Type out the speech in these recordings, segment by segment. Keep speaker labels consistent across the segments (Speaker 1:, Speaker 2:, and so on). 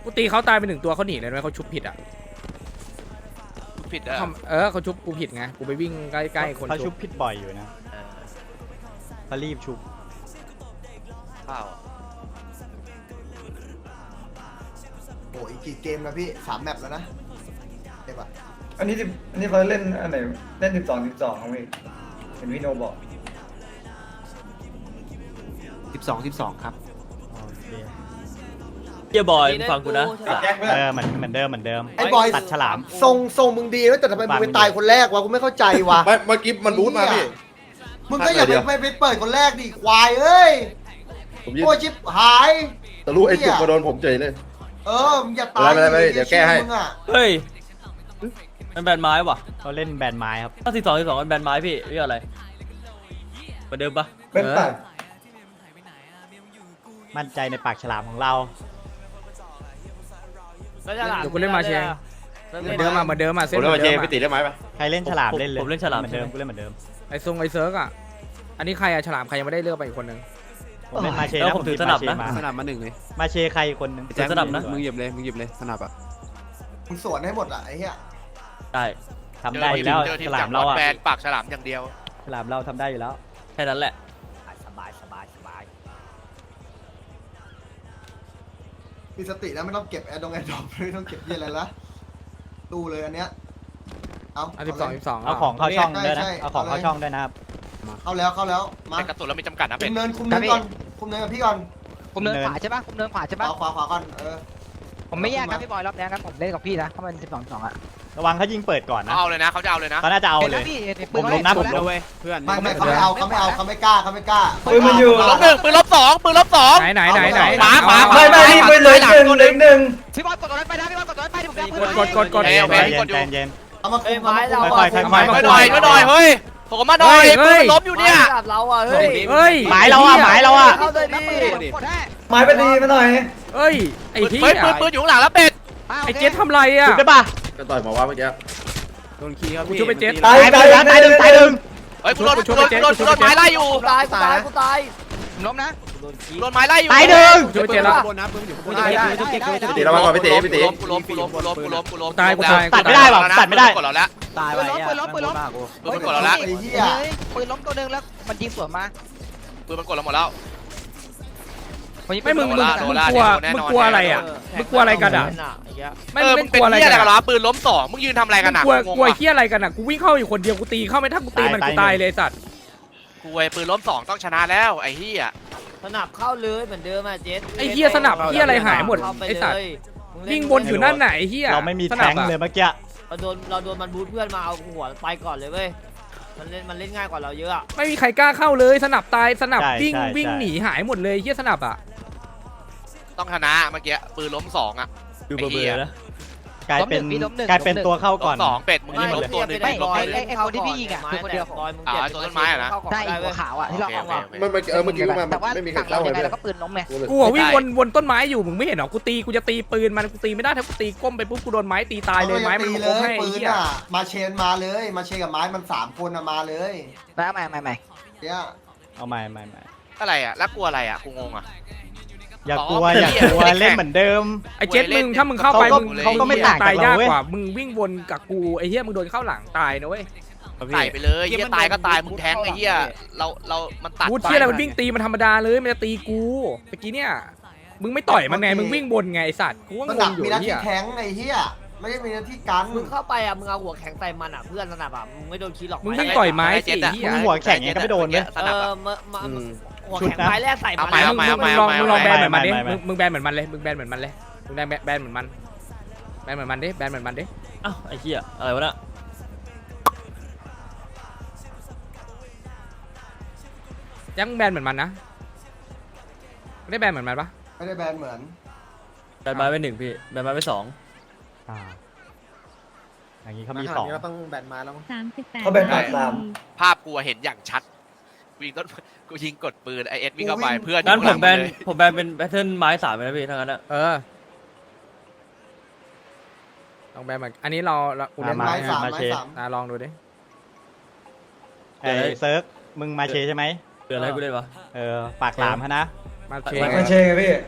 Speaker 1: กูตีเขาตายไป1 ตัวเขาหนีเลยไหมเขาชุบผิดอ่ะ
Speaker 2: ผิดอ่ะ
Speaker 1: เขาชุบกูผิดไงกูไปวิ่งใกล้ๆคน
Speaker 3: เขาชุ
Speaker 1: ชุ
Speaker 3: บบ ผิดบ่อยอยู่นะเขารีบชุบ
Speaker 2: เปล่า
Speaker 4: โอ้ยอีกกี่เกมแล้วพี่3 แมปแล้วนะเด็กปะ
Speaker 5: อันนี้เขาเล่นอันไหนเล่น12ครับพี่เห็นพี่โนบอก
Speaker 6: 12ครับ
Speaker 3: โอเค
Speaker 7: เฮียบอยฟังกูนะ
Speaker 3: เหมือนเดิม
Speaker 4: ไอ้บอย
Speaker 3: ตัดฉลาม
Speaker 4: ทรงมึงดีแล้วแต่ทำไมมึงไปตายคนแรกวะกูไม่เข้าใจวะ
Speaker 8: เมื่อกี้มันบูทมาพี่
Speaker 4: มึงก็อย่าไปเปิดคนแรกดิควายเอ้ย
Speaker 8: ผมยิง
Speaker 4: โอ้ชิบหาย
Speaker 8: ทะลุไอ้จุกมาโดนผมเฉยเลย
Speaker 4: มึงอย่าตาย
Speaker 8: ไม่เดี๋ยวแก้ให้
Speaker 4: มึงอะ
Speaker 7: เฮ้ยมันแบนไม้ว่ะ
Speaker 3: เขาเล่นแบนไม้ครับ
Speaker 7: ถ้า12มันแบนไม้พี่เรียกอะไรเหมือนเดิมปะ
Speaker 5: เป็นตัด
Speaker 3: มั่นใจในปากฉลามของเรา
Speaker 1: เดี๋ยวกูเล่นมาเชงเหมือนเดิมมาเส้น
Speaker 8: ผม
Speaker 1: เห
Speaker 8: เล่น
Speaker 1: มื
Speaker 8: มา
Speaker 1: อน
Speaker 8: เช
Speaker 1: เดิ
Speaker 8: ง
Speaker 1: ม
Speaker 8: ไปติดได้ไหมปะ
Speaker 3: ใครเล่นฉลามเล่นเลย
Speaker 7: ผมเล่นฉลาม
Speaker 3: เหมือนเดิมกูเล่นเหมือนเดิม
Speaker 1: ไอ้เซิร์กอ่ะอันนี้ใครอะฉลามใครยังไม่ได้เลือกไปอีกคนนึง
Speaker 3: ผมเล่นมาเช
Speaker 7: แล้ว
Speaker 3: นะ
Speaker 7: ผมถือสนับนะ
Speaker 6: สนับมา1เลย
Speaker 3: มาเชใครคนหนึง
Speaker 7: ถือสนับนะ
Speaker 6: มึงหยิบเลยสนับอ่ะ
Speaker 4: มึงสวนให้หมดอะไอ้เหี้ย
Speaker 7: ได้
Speaker 3: ทำได้อยู่แล้ว
Speaker 2: เจอที
Speaker 3: ฉ
Speaker 2: ม
Speaker 3: ลา
Speaker 2: จาก
Speaker 3: มเราอะ
Speaker 2: แบนปากฉลามอย่างเดียว
Speaker 3: ฉลามเราทำได้อยู่แล้ว
Speaker 7: แค่นั้นแหละ
Speaker 3: สบาย
Speaker 4: มีสตินะไม่ต้องเก็บแอร์ดรอปไม่ต้องเก็บเยี่ยอะไรละตู้เลยอันเนี้ยเอา
Speaker 1: อ่ะ
Speaker 4: เลย
Speaker 1: 12
Speaker 3: เอาของเข้าช่องด้วยนะ
Speaker 4: ใช่
Speaker 3: เอาของเข้าช่องด้วยนะครับ
Speaker 4: เข้าแล้วมา
Speaker 2: แต่กระตุนแล้วมีจำกัดนะ
Speaker 4: คุ
Speaker 2: เป็ด
Speaker 4: มเนินก่อนคุมเนินกับพี่ก่อน
Speaker 9: ผมเดินขวาใช่ปะผมเดินขวาใช่
Speaker 4: ข
Speaker 9: ปะ
Speaker 4: วาก่อน
Speaker 9: ผมไม่แยกครับพี่บอยรอบนี้ครับผมเล่นกับพี่นะเพราะมัน12-2อ่ะ
Speaker 3: ระวังเขายิงเปิดก่อนนะ
Speaker 2: เอาเลยนะเขาจะเอาเลยนะ
Speaker 3: เขาน่าจะเอา
Speaker 9: เห็น
Speaker 3: เล
Speaker 9: แล้ว
Speaker 3: ย
Speaker 9: พี่เห็นปื
Speaker 3: ผ
Speaker 9: น
Speaker 3: ม
Speaker 9: เขา
Speaker 3: ล้มนะผม
Speaker 9: เห็
Speaker 3: ล้ม
Speaker 6: เว้ยเพื่อน
Speaker 4: ไม่เขาไม่เอาเขาไม่กล้า
Speaker 5: ปืนมันอยู่
Speaker 2: ปืนลบ1ปืนลบ2ปืนลบ2
Speaker 1: ไหน
Speaker 2: ขวา
Speaker 5: ไม่พี่ปืนเหลือ1เหลือ1
Speaker 9: พี่บอยกดตัวนั้นไปนะพี่บอยกดตัวนั้นไปที่ผมจะ
Speaker 1: กด
Speaker 3: ใจเย็น
Speaker 4: เอามาคุม
Speaker 3: ค่อยๆ
Speaker 2: ช่วยหน่อยเฮ้ยผมมาหน่อยปืนมันล้มอยู่เนี่ย
Speaker 9: เราอ่ะเฮ้ย
Speaker 1: เฮ้ย
Speaker 3: หมายเราอะหมายเราอะ
Speaker 9: เข้าเลยดิกดให้
Speaker 5: ไม้ไปดีมาหน่อย
Speaker 1: เฮ้ยไอ้ที่
Speaker 2: เฮ้ยปืนอยู่ข้างหลังแล้วเป็ด
Speaker 1: ไอ้เจ๊ทำไรอ่ะ
Speaker 3: ถูกได้ปะ
Speaker 8: ก็ต่อยหมอว่าเมื่อกี้
Speaker 6: โดนคีย์ครับ
Speaker 1: กูช่วยไปเจ็ด
Speaker 3: ตายไปแล้วตายหนึ่ง
Speaker 2: เฮ้ยกูโดนไม้ไล่อยู่
Speaker 9: ตายผมล้มนะ
Speaker 2: โดนไม้ไล่อยู่
Speaker 3: ตายหนึ่ง
Speaker 1: ช่วยไปเจ็ดละ
Speaker 6: บนนะปืนอยู่บน
Speaker 8: ไปติดระวังก่อนไปติไปติ
Speaker 2: กูล้ม
Speaker 3: ตัดไม่ได้หรอตัดไม่ได้
Speaker 2: กดเราแล้ว
Speaker 6: ตายไป
Speaker 2: ปืนมันกดเราแล้ว
Speaker 9: ปืนล้มตัวนึงแล้วมันยิงสวนมา
Speaker 2: ปืนมันกดเราหมดแล้ว
Speaker 1: ไม่มึงกลัวอะไรอ่ะมึงกลัวอะไรกันอ่ะไม่
Speaker 2: มึ
Speaker 1: มึ
Speaker 2: ง
Speaker 1: ง
Speaker 2: เป็น
Speaker 1: กลัวอะไร
Speaker 2: เหี้ย
Speaker 1: กั
Speaker 2: อะไร
Speaker 1: น
Speaker 2: กันวะปืนล้ม2มึงยืนทำอะไรกันอ่ะ
Speaker 1: กลัวเฮียอะไรกันอ่ะกูวิ่งเข้าอยู่คนเดียวกูตีเข้าไม่ถ้ากูตีมันกูตายเลยสัตว์
Speaker 2: กูไอ้ปืนล้ม2ต้องชนะแล้วไอ้เหี้ย
Speaker 9: สนับเข้าเลยเหมือนเดิมอ่ะเจส
Speaker 1: ไอ้เฮียสนับเฮียอะไรหายหมดไอ้สัตว์วิ่งบนอยู่นั่นไหนเฮีย
Speaker 3: เราไม่มีแทงเลยเมื่อกี้
Speaker 9: เราโดนมันบูทเพื่อนมาเอาหัวไปก่อนเลยเว้ยมันเล่นง่ายกว่าเราเยอะอ่ะ
Speaker 1: ไม่มีใครกล้าเข้าเลยสนับตายสนับวิ่งหนีหายหมดเลยเฮียสนับอ่ะ
Speaker 2: ต้องชนะเมื่อกี้ปืนล้ม2อ่ะ
Speaker 7: ดูเบอร์นะ
Speaker 3: กลายเป็นตัวเข้าก่อน
Speaker 2: ล้ม2เป็ดมึงยิงล้มตัวนึง
Speaker 9: ไม่
Speaker 2: ล้ม
Speaker 9: ไอ้คนที่พี่ยิงอ่ะคือคนเดียวของ
Speaker 2: ตัวต้นไม้อ่ะนะ
Speaker 9: ได้หัวขาวอ่ะที่เราเอาอ่ะ
Speaker 8: เมื่อกี้มา
Speaker 9: แต่ว่า
Speaker 8: ไม่มีใคร
Speaker 9: ฝั่ง
Speaker 8: เข้า
Speaker 9: เรา
Speaker 8: เลย
Speaker 9: ยังไงเราก็ปืนล้มไง
Speaker 1: กูวิ่งวนต้นไม้อยู่มึงไม่เห็นหรอกูจะตีปืนมันกูตีไม่ได้ถ้ากูตีก้มไปปุ๊บกูโดนไม้ตีตายเลยไม้มัน
Speaker 4: เล
Speaker 1: ล้ม
Speaker 4: ย
Speaker 1: ให้
Speaker 4: ปืน
Speaker 1: เฮีย
Speaker 4: อ่ะมาเชนมาเลยมาเชนกับไม้มัน3 คนมาเลย
Speaker 9: แล้วใหม่
Speaker 4: เนี่ย
Speaker 3: เอาใหม่
Speaker 2: อะไรอ่ะแล้วกลัวอะไรอ่ะกูงงอ่ะ
Speaker 3: อย่ากลัวเล่นเหมือนเดิม
Speaker 1: ไอ้เจ็ดมึงถ้ามึงเข้าไป
Speaker 3: เขาก็ไม่ต่าง
Speaker 1: ตายาก
Speaker 3: จากเราเว้ย
Speaker 1: กว่ามึงวิ่งวนกับกูไอ้เฮียมึงโดนเข้าหลังตายนะเว้ย
Speaker 2: ใส่ไปเลยเหี้ยตายก็ตายมึงแทงไอ้เหี้ยเรามันตัด
Speaker 1: กูเชี่ยอะไรมันวิ่งตีมันธรรมดาเลยมันจะตีกูเมื่อกี้เนี่ยมึงไม่ต่อยมันไงมึงวิ่งบนไงไอ้สัตว์กูก็
Speaker 4: ส
Speaker 1: ง
Speaker 4: นั
Speaker 1: ง
Speaker 4: บ
Speaker 1: อยู่
Speaker 4: มีหน้า
Speaker 1: เฮี
Speaker 4: ที่
Speaker 1: ย
Speaker 4: แทงไอ้เหี้ยไม่ได้มีหน้าที่กัน
Speaker 9: มึงเข้าไปอ่ะมึงเอาหัวแข็งใส่มันอ่ะเพื่อนสนับอ่ะมึงไม่โดนคิดหรอก
Speaker 1: มึงวิ่งต่อยไม้สิเฮีย
Speaker 3: มึงหัวแข็งยังก็ไม่โดนเลย
Speaker 2: สนับอะ
Speaker 9: หัวแข็งไม้แรกใส่มัน
Speaker 1: มึงลองแบนเหมือนมันดิ
Speaker 3: ไม่
Speaker 1: มึงแบนเหมือนมันเลยมึงแบนเหมือนมันเลยมึงแบนเหมือนมันแบนเหมือนมันดิแบนเหมือนมันดิ
Speaker 7: อ้าวไอ้เหี้ยอะไรวะน่ะ
Speaker 1: ยังแบนเหมือนมันนะไม่ได้แบนเหมือนมันปะ
Speaker 4: ไม่ได้แบนเหมือน
Speaker 7: แบนไม้ไป1พี่แบนไม้ไป2
Speaker 3: อย่างนี้เขามี2
Speaker 4: ต้องแบนไม้แล้ว
Speaker 10: 38
Speaker 5: เขาแบ่งตาม
Speaker 2: ภาพกูเห็นอย่างชัดกูยิงกดปืนไอเอสวิ่งเข้าไปเพื่อน
Speaker 7: งั้นผมแบนเป็นแพทเทิร์นไม้3เลยนะพี่ทั้งนั้นอะ
Speaker 1: ลองแบนเหมือนอันนี้เรากูเล่น
Speaker 4: ไม้สาม
Speaker 1: ลองดูดิ
Speaker 3: เซิร์กมึงมาเชใช่ไหม
Speaker 7: เดือดอะไรกูเล่นวะ
Speaker 3: ปากหลามฮะนะ
Speaker 1: มาเช
Speaker 5: มาเชงไงพี่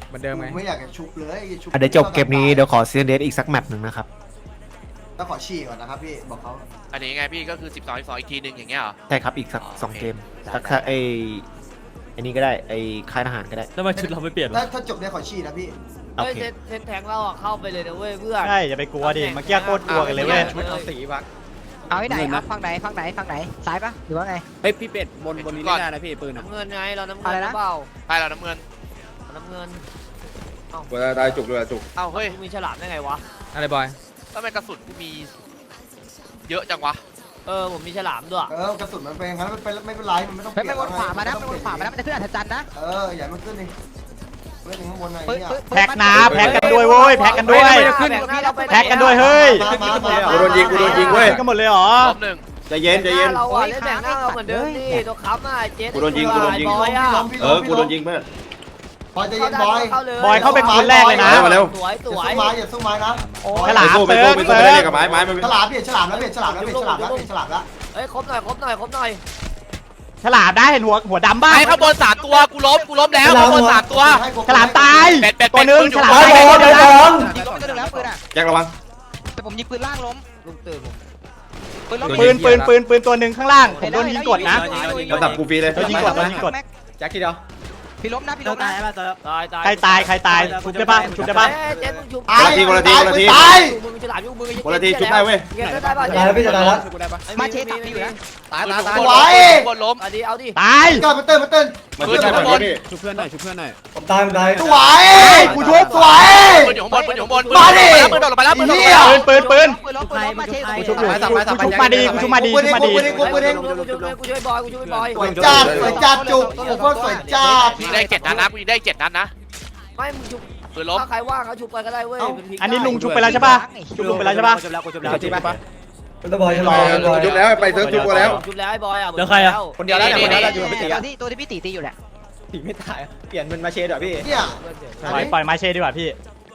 Speaker 1: เหมือนเดิมไง
Speaker 4: กูไม่อยากจะชุบเลยชุบ
Speaker 10: เดี๋ยวจบเกมนี้เดี๋ยวขอซีเดสอีกสักแมตช์หนึ่งนะครับ
Speaker 4: แล้วขอฉี่ก่อนนะครับพี่บอกเขา
Speaker 2: อันนี้ไงพี่ก็คือ12อีกทีหนึ่งอย่างเงี้ยเหรอ
Speaker 10: ใช่ครับอีกสัก2 เกมสักไอ้นี่ก็ได้ไอ้ค่ายทหารก็ได้
Speaker 7: แล้วทำไมชุดเราไม่เปลี่ยนวะ
Speaker 4: ถ้าจบเนี่ยขอฉี่นะพี่
Speaker 10: โอ
Speaker 9: เฮ้ย
Speaker 10: เค
Speaker 9: เซตแทงเราอะเข้าไปเลยนะเว้ยเพื่อน
Speaker 3: ใช่อย่าไปกลัวดิเมื่อกี้โคตรกลัวกันเลยเว้ย
Speaker 2: ชุดเอาสีวะ
Speaker 11: เอาไว้ไหนครับฝั่งไหนฝั่งไหนฝั่งไหนซ้ายปะหรือว่าไง
Speaker 6: เฮ้ยพี่เป็ดบนนี้เล่นได้นะพี่ปืนอ่ะ
Speaker 9: น้ำเงินไงเราน้ำเงิ
Speaker 11: อะไร
Speaker 9: นห
Speaker 11: นะ
Speaker 9: รือเปล่า
Speaker 2: ใช่เราน้ำเงิน
Speaker 9: เราน้ำเงิน
Speaker 8: เวลาได้จุกเลยจุก
Speaker 2: เอ้าเฮ้ย
Speaker 9: กูมีฉลามได้ไงวะ
Speaker 1: อะไรบอย
Speaker 2: ทำไมกระสุนกูมีเยอะจังวะ
Speaker 9: ผมมีฉลามด้วย
Speaker 4: กระสุนมันเป็นอย่างนั้นไม่เป็นไรมันไม่ต้อง
Speaker 11: เฮ้ยไปวนขวามานะไปวนขวามานะมันจะขึ้นอัศจรรย์นะ
Speaker 4: อย่ามันขึ้นดิเล่นข้างบนอะไร
Speaker 11: ปึ๊บ
Speaker 4: เนี่ย
Speaker 11: ปึ๊บ
Speaker 3: แพ็กนะแพ็กกันด้วยเว้ยแพ็กกันด้วย แพ็กกันด้วยเฮ้ย
Speaker 8: กูโดนยิงเว้ย
Speaker 3: กันหมดเลยเหรอ
Speaker 2: รอบหนึ่ง
Speaker 8: ใจเย็นใจเย็น
Speaker 9: เราอะเล่นแบ่งหน้าเราเหมือนเดิมดิตัวค้ำอะเจ๊
Speaker 8: กูโดนยิง
Speaker 9: บอยอะ
Speaker 8: กูโดนยิงเพื่อน
Speaker 4: บอยใจเย็นบอย
Speaker 3: บอยเข้าเป็นคนแรกเลยนะ
Speaker 8: มาเร็ว
Speaker 9: สวยส
Speaker 4: อย่า
Speaker 9: วย
Speaker 4: สู้ไม้อย่าสู้ไม้นะ
Speaker 3: ฉลาม
Speaker 8: ไป
Speaker 3: เติ
Speaker 8: สู้
Speaker 3: ร์ก
Speaker 8: ไปสู้
Speaker 3: เติ
Speaker 8: ไป
Speaker 3: ร์
Speaker 8: เล่
Speaker 3: ก
Speaker 8: นกับไม้มัน
Speaker 4: ฉลามเปลี่ยนฉลามแล้วเปลี่ยนฉลามแล้วเปลี่ยนฉลามแล้วเปลี่ยนฉลามแล้ว
Speaker 9: เฮ้ยครบหน่อยครบหน่อยครบหน่อย
Speaker 3: ฉลามได้เห็นหัวดำบ้าง
Speaker 2: ไอ้ข้างบน3ตัวกูล้มแล้วข้างบน3ตัว
Speaker 3: ฉลามตาย
Speaker 2: เป็ด
Speaker 3: ตัวหนึง
Speaker 2: ปืนอยู่
Speaker 3: ฉลาม
Speaker 2: บน
Speaker 3: ตายตัวเดียวนะ
Speaker 11: ยิงล้มไปตัวหนึงแล้วปืนอ่ะ
Speaker 8: แจ็คระวัง
Speaker 11: แต่ผมยิงปืนล่างล้ม
Speaker 9: ลุงตื่นผม
Speaker 11: ปืนล้ม
Speaker 3: ปืนตัวหนึ่งข้างล่างผมโดนยิงกดนะ
Speaker 8: ระดับกูฟรีเลย
Speaker 3: โดนยิงกดโดนยิงกด
Speaker 6: แจ็คทีเดียว
Speaker 11: พี่ล้มนะพี่ล้มนะ
Speaker 9: ตาย
Speaker 3: ใครตายใครตายชุบได้ปะชุบได้ปะ
Speaker 9: เจ๊มึงชุบ
Speaker 4: ตาย
Speaker 8: คนละที
Speaker 9: มึงฉลามอยู่มึง
Speaker 8: คนละทีชุบได้เว้ย
Speaker 9: เจ๊ได้ป่ะ
Speaker 5: ตายแล้วพี่จะตายแล้ว
Speaker 6: ช่วยกูได้ปะ
Speaker 11: มาเชสตับพี่อยู่นะ
Speaker 2: ตาย
Speaker 4: สวย
Speaker 2: บนล้ม
Speaker 9: เอาดิเอาดิ
Speaker 3: ตาย
Speaker 4: เกิดมาเต้นมาเต้น
Speaker 8: มันขึ้นแบบนี้พี่
Speaker 6: ช่วยเพื่อนหน่อยช่วยเพื่อนหน่อย
Speaker 5: ผมตายผมตาย
Speaker 4: สวย
Speaker 3: กูชุบ
Speaker 4: สวย
Speaker 2: ปืนอยู่ข้างบนปืนอยู่ข้างบน
Speaker 4: มาดิ
Speaker 2: ปืนโดดลงไปแล้วปืนโดดลงไป
Speaker 4: เหี้
Speaker 2: แล้ว
Speaker 4: ย
Speaker 3: ปืน
Speaker 11: ปืนล้มมาเชส
Speaker 3: กูชุบอยู่กูชุบมาดีกูชุบมาดี
Speaker 4: กู
Speaker 3: ชุบมาดี
Speaker 4: กูเอง
Speaker 9: กูช่วยบอยกูช่วยบอย
Speaker 4: สวยจัดสวยจัดจุกโอ้โหสวยจัด
Speaker 2: กูยิงได้7 นัดนะกูยิงได้7 นัดนะ
Speaker 9: ไม่มึงชุบ
Speaker 2: ปืนล้ม
Speaker 9: ถ้าใครว่างเขาชุบไปก็ได้เว้ย
Speaker 3: อันนี้ลุงชุบไปแล้วใช่ปะชุบลุงไปแล้วใช่ปะ
Speaker 6: จริงปะ
Speaker 5: เป็นตะบอยฉลามบอย
Speaker 8: จุกแล้วไปเซิร์ฟจุกแล้ว
Speaker 9: ชุบแล้วไอ้บอยอ่ะ
Speaker 7: เดี๋ยวใครอะ
Speaker 6: คนเดียวแล้วเนี่ยคนเดียวแล้วอยู่กับพี่ตี
Speaker 11: ตัวที่พี่ตีตีอยู่แหละ
Speaker 6: ตีไม่ตายเปลี่ยนมันมาเชดเหรอพี่
Speaker 4: เนี่ย
Speaker 3: ปล่อยมาเชดีกว่าพี่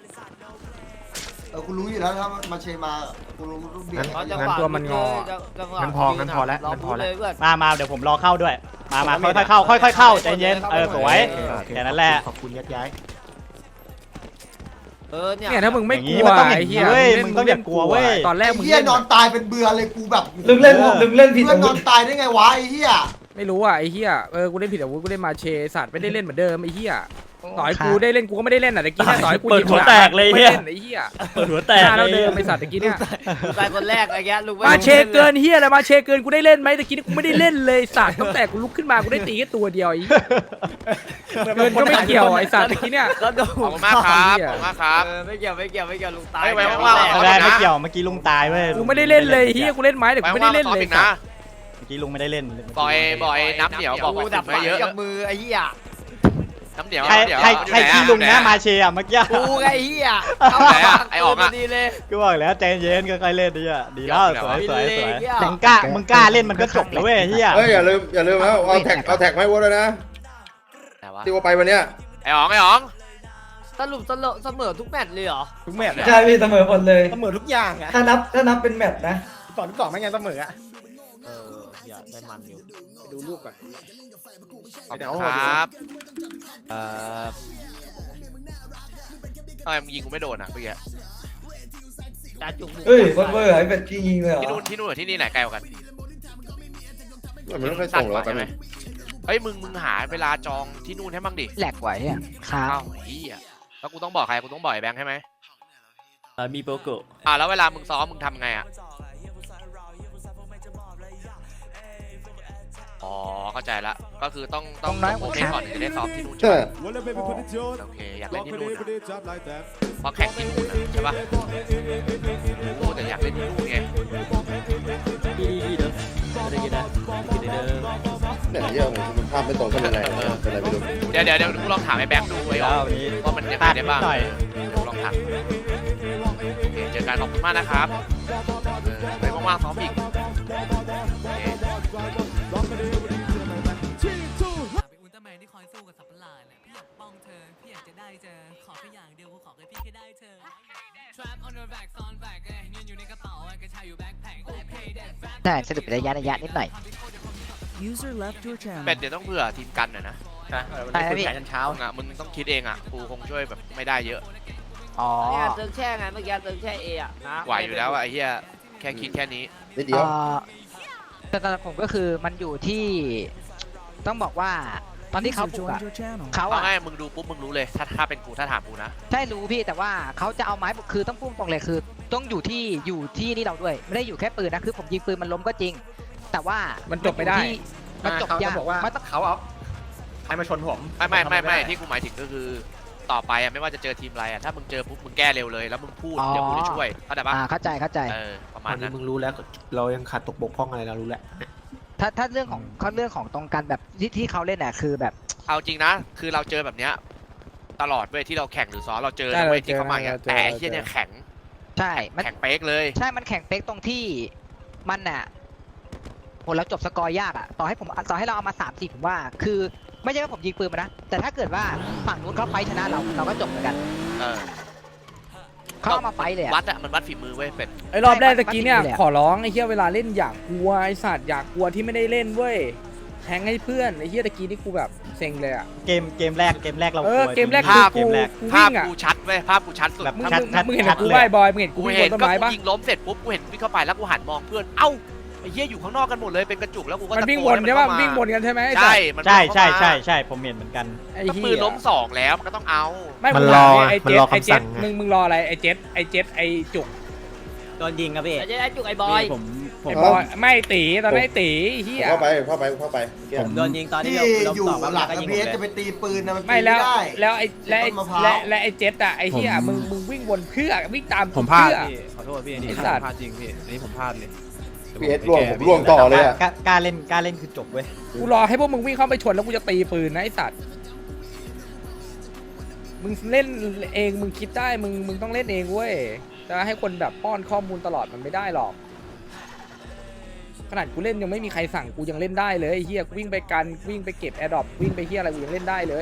Speaker 4: กูรู้อยู่แล้วถ้ามาเชมากูรู้เบียด
Speaker 1: งั้นตัวมันงอ งั้นพอแล้วงั้นพอแล้ว
Speaker 3: มาเดี๋ยวผมรอเข้าด้วยมาค่อยๆเข้าค่อยๆเข้าใจเย็นสวยแค่นั้นแหละ
Speaker 10: ขอบคุณยัดย้าย
Speaker 1: เนี่ยถ้ามึงไม่
Speaker 3: อย่าง
Speaker 1: ก
Speaker 3: งี้
Speaker 1: ลัว
Speaker 3: มันต้องอย่าง
Speaker 1: ไอ้
Speaker 3: งี้
Speaker 1: เหี้ย
Speaker 3: เว้ยมึงต้องอย่ากลัวเว้ย
Speaker 1: ตอนแรก
Speaker 4: ไอ้
Speaker 1: มึง
Speaker 4: เหี้ย
Speaker 1: เล่น
Speaker 4: นอนตายเป็นเบื่อเลยกูแบบ
Speaker 5: ลึกเล่นผิด
Speaker 4: เพื่อ
Speaker 5: อาน
Speaker 4: น
Speaker 5: วุ
Speaker 4: อ
Speaker 5: ธ
Speaker 4: นตายได้ไงวะไอ้เหี้ย
Speaker 1: ไม่รู้อ่ะไอ้เหี้ยกูเล่นผิดอาวุธกูเล่นมาเชสัตว์ไม่ได้เล่นเหมือนเดิมไอ้เหี้ยต่อยกูได้เล่นกูก็ไม่ได้เล่นอ่ะตะกี้เนี่ยต่อยกู
Speaker 3: เปิดหัวแตกเลย
Speaker 1: ไม่
Speaker 3: เหี้ย
Speaker 1: เล่นไอ้เหี้ย
Speaker 3: เปิดหัวแตก
Speaker 1: หน้าเรา
Speaker 3: เล
Speaker 1: เดิ
Speaker 3: ย
Speaker 1: มไอ้สัตว์ตะกี้เนี่ย
Speaker 9: กูกลายคนแรกไอ้แกลุง
Speaker 1: มาเชเกินเหี้ยอะไรมาเชเกินกูได้เล่นไหมตะกี้นี่กูไม่ได้เล่นเลยสัตว์ตั้งแต่กูลุกขึ้นมากูได้ตีแค่ตัวเดียวไอ้เกินก็ไม่เกี่ยวไอ้สัตว์ตะกี้เนี่ย
Speaker 9: ก็ดู
Speaker 2: ขอบคุณมากครับขอบคุณมากครับ
Speaker 9: ไม่เกี่ยวลุงตาย
Speaker 2: ไว้ว่างๆ
Speaker 3: ไม่ได้ไม่เกี่ยวเมื่อกี้ลุงตายเว้ย
Speaker 1: กูไม่ได้เล่นเลยเหี้ยกูเล่นไม้แต่กู
Speaker 2: ไว้
Speaker 1: ไม่ได้
Speaker 2: ว่าง
Speaker 1: เล่น
Speaker 2: ๆซ้อม
Speaker 1: เลย
Speaker 2: อีกนะ
Speaker 3: เมื่อกี้ลุงไม่ได้เล่น
Speaker 2: บอยน้ำเหนียวบอก
Speaker 9: กู
Speaker 2: ว่า
Speaker 9: ดับ
Speaker 2: ไม่
Speaker 9: ฝัน
Speaker 2: เยอะ
Speaker 9: กับมือไอ้เหี้ย
Speaker 2: น้ำเหนียว
Speaker 3: ใครขี้ลุงนะมาเชียเมื่อกี้
Speaker 9: กูไงไอ้เหี้ยดีเลย
Speaker 3: ก็บอกแล้วใจเย็นค่อยๆเล่นดีอ่ะดีแล้วสวยสวยสวย
Speaker 9: เหี้ย
Speaker 3: มึงกล้าเล่นมันก็จบแล้วเว้ยเฮีย
Speaker 8: เฮ้ยอย่าลืมแล้วเอาแท็กให้วัวด้วยนะที่ว่าไปวันเนี้ย
Speaker 2: ไอ้อ๋อง
Speaker 9: สรุปเสมอทุกแมตช์เลยเหรอ
Speaker 6: ทุกแมตช์
Speaker 5: ใช่พี่เสมอหมดเลย
Speaker 6: เสมอทุกอย่างอะ
Speaker 5: ถ้านับเป็นแมตช์นะ
Speaker 6: 2-2ไม่งั้นเสมออะ
Speaker 9: อย่าได้มันอยู่
Speaker 6: ดูรูปก่อน
Speaker 2: ขอบคุณครับทำไมมึงยิงกูไม่โดนอ่ะเมื่อกี้
Speaker 9: ตาจุก
Speaker 5: เฮ้ยโคตรเวอร์ไอ้เป็ดยิงเลยเหรอ
Speaker 2: ที่นู่นหรือที่นี่ไหนไกลกว่ากัน
Speaker 8: มันไม่ค่อยส่งหรอก
Speaker 2: ใช่ไหมเฮ้ยมึงหาเวลาจองที่นู่นให้บ้างดิ
Speaker 11: แหลกไหวอ่ะครับ
Speaker 2: อ้าวเฮียแล้วกูต้องบอกใครกูต้องบอกไอ้แบงค์ใช่ไหม
Speaker 7: มีโปรโก
Speaker 2: แล้วเวลามึงซ้อมมึงทำไงอ่ะอ๋อเข้าใจละก็คือต้องโอเคก่อนถึงจะได้ซ้อมที่นู่นใช่
Speaker 8: ใช่
Speaker 2: ไหมโอเคอยากเล่นที่นู่นเพราะแข่งที่นู่นใช่ปะโอ้แต่อยากเล่นที่นู่นไง
Speaker 7: ดีเด้อได้กินนะกินเด้อ
Speaker 8: เนี่ยเยอะมันภาพไม่ตรงกันเป็นไรเป็นไรไม่รู้
Speaker 2: เดี๋ยวกูลองถามไอ้แบงค์ดูไว้
Speaker 3: แล้ววันนี้
Speaker 2: ว่ามันยังไงได้บ้างกูลองถามโอเคเจอกันขอบคุณมากนะครับไว้ว่างๆซ้อมอีกโอเค
Speaker 12: อุลตร้าแมนที่คอยสู้กับสัตว์ประหลาดเนี่ยพี่อยากป้องเธอพี่อยากจะได้เจอขอแค่อย่างเดียวกูขอแค่พี่แค่ได้เธอ Trap on your back ซ้อนแบกเงินอยู่ในกระเป๋ากระชายอยู่แบ็คแพ็ค Okay that's fat
Speaker 11: ได้สรุประยะนิดหน่อย
Speaker 12: User left your channel
Speaker 2: เป็ดเดี๋ยวต้องเผื่อทีมกันหน่อยนะ
Speaker 11: ใช่ไหมพี่
Speaker 2: มึงต้องคิดเองอ่ะกูคงช่วยแบบไม่ได้เยอะ
Speaker 11: อ๋อ
Speaker 9: เนี่ยเติงแช่ไงเมื่อกี้เติงแช่เออะนะ
Speaker 2: ไหวอยู่แล้วอะไอ้เหี้ยแค่คิดแค่นี้
Speaker 8: นิดเดียว
Speaker 11: แต่ตอนผมก็คือมันอยู่ที่ต้องบอกว่าตอนที่เขาปลุกอะเขา
Speaker 2: เอา
Speaker 11: อะ
Speaker 2: ง่ายมึงดูปุ๊บมึงรู้เลยถ้าเป็นกูถ้าถามกูนะ
Speaker 11: ใช่รู้พี่แต่ว่าเขาจะเอาไม้ปลุกคือต้องพุ่งตรงเลยคือ ต้องอยู่ที่นี่เราด้วยไม่ได้อยู่แค่ปืนนะคือผมยิงปืนมันล้มก็จริง แต่ว่ามัน
Speaker 1: จบไม่ได้
Speaker 11: มันจบยาก
Speaker 6: บอกว่า
Speaker 11: มันต้อง
Speaker 6: เขาเอาใครมาชนผม
Speaker 2: ไม่ที่กูหมายถึงก็คือต่อไปอะไม่ว่าจะเจอทีมอะไรอะถ้ามึงเจอปุ๊บมึงแก้เร็วเลยแล้วมึงพูดเดี๋ยวกูจะช่วยเข้าใจปะ
Speaker 11: เข้าใจ
Speaker 2: ประมา
Speaker 10: ตอ
Speaker 2: ณ
Speaker 10: นนี้
Speaker 2: นั้น
Speaker 10: มึงรู้แล้วเรายังขาดตกบกพร่องอะไรเรารู้แล้ว
Speaker 11: ถ้าเรื่องของตรงกันแบบที่เขาเล่นน่ะคือแบบ
Speaker 2: เอาจริงนะคือเราเจอแบบเนี้ยตลอดเว้ยที่เราแข่งหรือซ้อมเราเจอ
Speaker 1: ใช่
Speaker 2: นะเว้ย
Speaker 1: เราเจอ
Speaker 2: ที่เขามาอย่างเงี้ย
Speaker 1: เราเจอ
Speaker 2: แต่ไอ้เหี้ยเนี่ยแข็ง
Speaker 11: ใช่มัน
Speaker 2: แข็งเป๊กเลย
Speaker 11: ใช่มันแข่งเป๊กตรงที่มันน่ะโหเราจบสกอร์ยากอ่ะต่อให้เราเอามา3-4ผมว่า คือไม่ใช่ว่าผมยิงปืนมานะแต่ถ้าเกิดว่าฝั่งนู้นเขาไฟชนะเราก็จบเหมือนกัน
Speaker 2: เออ
Speaker 11: เขาเอามาไฟเลยอะ
Speaker 2: วัดอะมันวัดฝีมือเว้ยเป็ด
Speaker 1: ไอ้รอบแรกตะกี้เนี่ย
Speaker 11: มันติดอยู่แหละ
Speaker 1: ขอร้องไอ้เหี้ยเวลาเล่นอยากกลัวไอ้สัตว์อยากกลัวที่ไม่ได้เล่นเว้ยแทงให้เพื่อนไอ้เหี้ยตะกี้นี่กูแบบเซ็งเลยอ่ะ
Speaker 3: เกมแรกเรา
Speaker 1: เออ
Speaker 3: กลัว
Speaker 1: เกมแรก
Speaker 3: จริง
Speaker 1: คือ
Speaker 3: เกมแรก
Speaker 1: กู
Speaker 2: ภาพ
Speaker 1: วิ่งอ่ะ
Speaker 2: กูชัดเว้ยภาพกูชัดสุด
Speaker 3: แบบ
Speaker 1: มึง
Speaker 3: ชัด
Speaker 1: มึงเห็น
Speaker 3: ชัด
Speaker 1: กู
Speaker 3: เลย
Speaker 1: ไหว้บอยมึงเห็นกู
Speaker 2: กู
Speaker 1: วิ่ง
Speaker 2: เห็
Speaker 1: บ
Speaker 2: น
Speaker 1: นต้น
Speaker 2: ก็
Speaker 1: ไม้
Speaker 2: กู
Speaker 1: ปะ
Speaker 2: ยิงล้มเสร็จปุ๊บกูเห็นวิ่งเข้าไปแล้วกูหันมองเพื่อนเอ้าไอ้เหี้ยอยู่ข้างนอกกันหมดเลยเป็นกระจุกแล้วกูก็
Speaker 1: มัน
Speaker 2: ตะ
Speaker 1: วิ่ง
Speaker 2: โก
Speaker 1: วน
Speaker 2: ให้
Speaker 1: ใช่ปะ
Speaker 2: เข้ามา
Speaker 1: วิ่งวนกันใช่ไหมไอ้สั
Speaker 2: ใช่
Speaker 1: ตว์
Speaker 2: มัน
Speaker 3: ใช่
Speaker 2: วิ่งเข้ามา
Speaker 3: ใช่ผมเห็นเหมือนกัน
Speaker 1: ไอ้
Speaker 2: ก็
Speaker 1: เหี้
Speaker 2: ปืนล้ม
Speaker 1: ย
Speaker 2: 2แล้วมันก็ต้องเอา
Speaker 1: ไม่
Speaker 10: มัน
Speaker 1: ง
Speaker 10: รอ
Speaker 1: ไอ้
Speaker 10: มัน
Speaker 1: เจ็
Speaker 10: ร
Speaker 1: ด
Speaker 10: อ
Speaker 1: ไอ้
Speaker 10: คำ
Speaker 1: เจ็
Speaker 10: สั่
Speaker 1: ด
Speaker 10: งไง
Speaker 1: มึงรออะไรไอ้เจ็ดไอ้จุก
Speaker 7: โดนยิงครับพี่
Speaker 9: ไอ้จุกไอ้บอย
Speaker 7: ผม
Speaker 1: ไอ้บอยไม่ตีตอนนั้นไอ้ตีเหี้ย
Speaker 8: เข้าไป
Speaker 7: ผมโดนยิงตอนที่
Speaker 4: ที่
Speaker 7: เรา
Speaker 4: อยู่
Speaker 7: ต่อมา
Speaker 4: หลัง
Speaker 7: ก็ยิง
Speaker 4: พี
Speaker 7: ผม
Speaker 4: เอส
Speaker 7: เลย
Speaker 4: จะไปตีปืนนะมัน
Speaker 1: ไม่
Speaker 4: ตี
Speaker 1: แล้ว
Speaker 4: ได้
Speaker 1: แล้วไอ้และไอ้
Speaker 4: ต้นมะพร้าว
Speaker 1: และไอ้เจ็ดอะไอ้เหี้ยมึงวิ่งวนเพื่อวิ่งตาม
Speaker 6: ผมพลาด
Speaker 1: เพื่อ
Speaker 6: พี่ขอโทษพี่อันนี้
Speaker 1: ไอ้สัตว์
Speaker 6: พลาดจริงพี่อันนี้ผมพลาดเลย
Speaker 8: พีเอสร่วงผมร่วงต่อเลยอ่ะ
Speaker 3: กล้าเล่นคือจบเว้ย
Speaker 1: กูรอให้พวกมึงวิ่งเข้าไปชนแล้วกูจะตีปืนนะไอ้สัตว์มึงเล่นเองมึงคิดได้มึงต้องเล่นเองเว้ยจะให้คนแบบป้อนข้อมูลตลอดมันไม่ได้หรอกขนาดกูเล่นยังไม่มีใครสั่งกูยังเล่นได้เลยไอ้เฮียกูวิ่งไปกันวิ่งไปเก็บแอร์ดรอปวิ่งไปเฮียอะไรกูยังเล่นได้เลย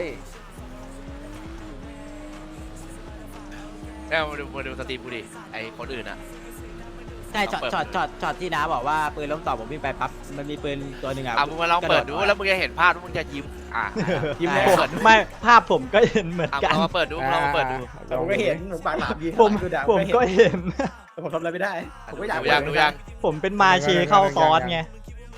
Speaker 2: แล้วมาดูสตรีมกูดิไอ้คนอื่นอะ
Speaker 7: ใช่ช็อตที่น้าบอกว่าปืนล้มต่อผมวิ่งไปปั๊บมันมีปืนตัวหนึ่งอ่ะ
Speaker 2: มึงมาลองเปิดดูแล้วมึงจะเห็นภาพแล้วมึงจะยิ้มยิ้ม
Speaker 7: ใช่
Speaker 2: เปิดดู
Speaker 3: ไม่ภาพผมก็เห็นเหมือนกัน
Speaker 2: ลองมาเปิดดูลองมาเปิดดู
Speaker 6: ผมก็เห็นผมปากหลามยิง
Speaker 3: ผมก็เห็น
Speaker 6: แต่ผมทำอะไรไม่ได้ ผมก็อยาก
Speaker 2: ดูยังดูยัง
Speaker 3: ผมเป็นมาเชเข้าซ้อนไง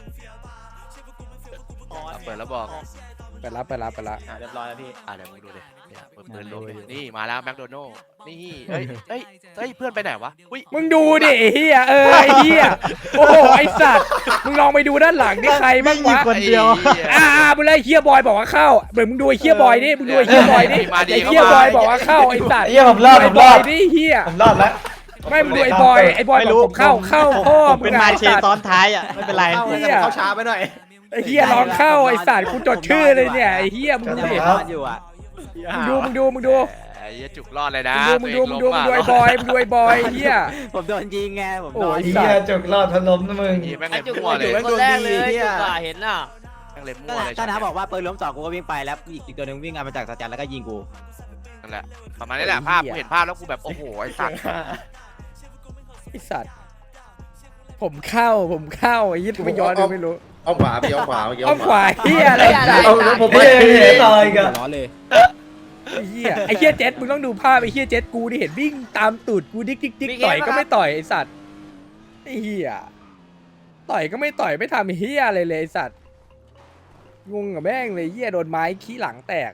Speaker 2: เปิดแล้วบอก
Speaker 1: ไปรับ
Speaker 6: เรียบร้อยแล้วพี่
Speaker 2: เดี๋ยวมึงดูดิเนี่ยเปิดปืนลมดินี่มาแล้วแมคโดนัลล์นี่เฮ้ยเพื่อนไปไหนวะอุ้ย
Speaker 1: มึงดูดิไอ้เฮียไอ้เฮียโอ้โหไอ้สัตว์มึงลองไปดูด้านหลังนี่ใครบ้างวะ
Speaker 3: คนเดียว
Speaker 1: มึงเลยเฮียบอยบอกว่าเข้าเดี๋ยวมึงดูไอ้เฮียบอยดิมึงดูไอ้เฮียบอยดิไอ้เฮียบอยบอกว่าเข้าไอ้สัตว์
Speaker 5: เฮียผมรอด
Speaker 1: ไอ้
Speaker 5: ผม
Speaker 1: บ
Speaker 5: ร
Speaker 1: อ
Speaker 5: อย ด
Speaker 1: ดิเฮีย
Speaker 5: ผมรอดแล้ว
Speaker 1: ไม่มึงดูไอ้บอยบอกผมเข้าพ่อ
Speaker 3: ผม
Speaker 1: มึ
Speaker 3: เป็
Speaker 1: ง
Speaker 3: นมา
Speaker 1: ไอ้
Speaker 3: เช
Speaker 1: สัตว์
Speaker 3: ซ้อนท้ายอ่ะไม่เป็นไร
Speaker 6: เข้าแต่ผมเข้าช้าไปหน่อย
Speaker 1: ไอ้เฮียร้องเข้าไอ้สัตว์กูจดชื่อเลยเนี่ยไอ้เฮียมึงดูดิ
Speaker 7: รอดอยู่อ่ะ
Speaker 1: มึงดู
Speaker 2: ไอ้เหี้ยจุกรอดเลยนะ
Speaker 1: มึงดูไอ้บอยมึงดูไอ้บอยเฮีย
Speaker 7: ผมโดนยิงไงผมโดน
Speaker 5: เฮียจุกรอดพนมนะมึง
Speaker 2: แม่ง
Speaker 9: ไอ้
Speaker 2: เล็
Speaker 9: จุก
Speaker 2: มั่วเลย
Speaker 9: คนแรกเลยจุกอะเห็นน่ะ
Speaker 2: แม่งเล็มั่วเลย
Speaker 7: ก็น้าบอกว่าปืนล้มต่อกูก็วิ่งไปแล้วอีกตัวหนึงวิ่งมาจากสแตนแล้วก็ยิงกู
Speaker 2: นั่นแหละประมาณนี้แหละภาพกูเห็นภาพแล้วกูแบบโอ้โหไอ้สัตว์
Speaker 1: ไอ้สัตว์ผมเข้าไอ้ยี่ไม่ย้อนดูไม่รู้
Speaker 8: เอาขวาพี่เอาขวาเมื่อกี้
Speaker 1: อ้อมขวาเฮียอะไร
Speaker 5: ผมไม่เห็นต่อยกัน
Speaker 6: ร้อนเลย
Speaker 1: ไอ้เฮียเจ็ดมึงต้องดูภาพไอ้เฮียเจ็ดกูที่เห็นวิ่งตามตูดกูดิ๊กต่อยก็ไม่ต่อยไอ้สัตว์ไอ้เฮียต่อยก็ไม่ต่อยไม่ทำเฮียอะไรเลยไอ้สัตว์งงกับแม่งเลยเฮียโดนไม้ขี้หลังแตก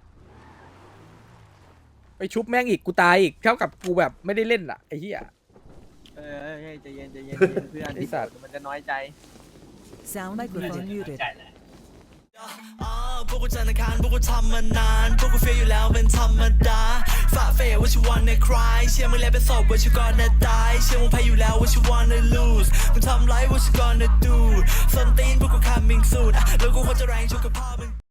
Speaker 1: ไปชุบแม่งอีกกูตายอีกเท่ากับกูแบบไม่ได้เล่นอ่ะไอ้เฮีย
Speaker 7: ใจเย็นเพื่อน
Speaker 1: ไอ้สัตว์
Speaker 7: มันจะน้อยใจ
Speaker 12: Sound microphone muted
Speaker 13: พวกกูจันทร์อังคารพวกกูทำมานานพวกกูเฟียอยู่แล้วเป็นธรรมดาฝ่าเฟยว่าชิวันในคลายเชื่อมึงแล้วเป็นศพว่าชิวก่อนจะตายเชื่อมึงแพ้อยู่แล้วว่าชิวันใน lose มึงทำไรว่าชิวก่อนจะ do ส้นตีนพวกกู coming soon แล้วกูควรจะแรงชุกกับพ่อมึง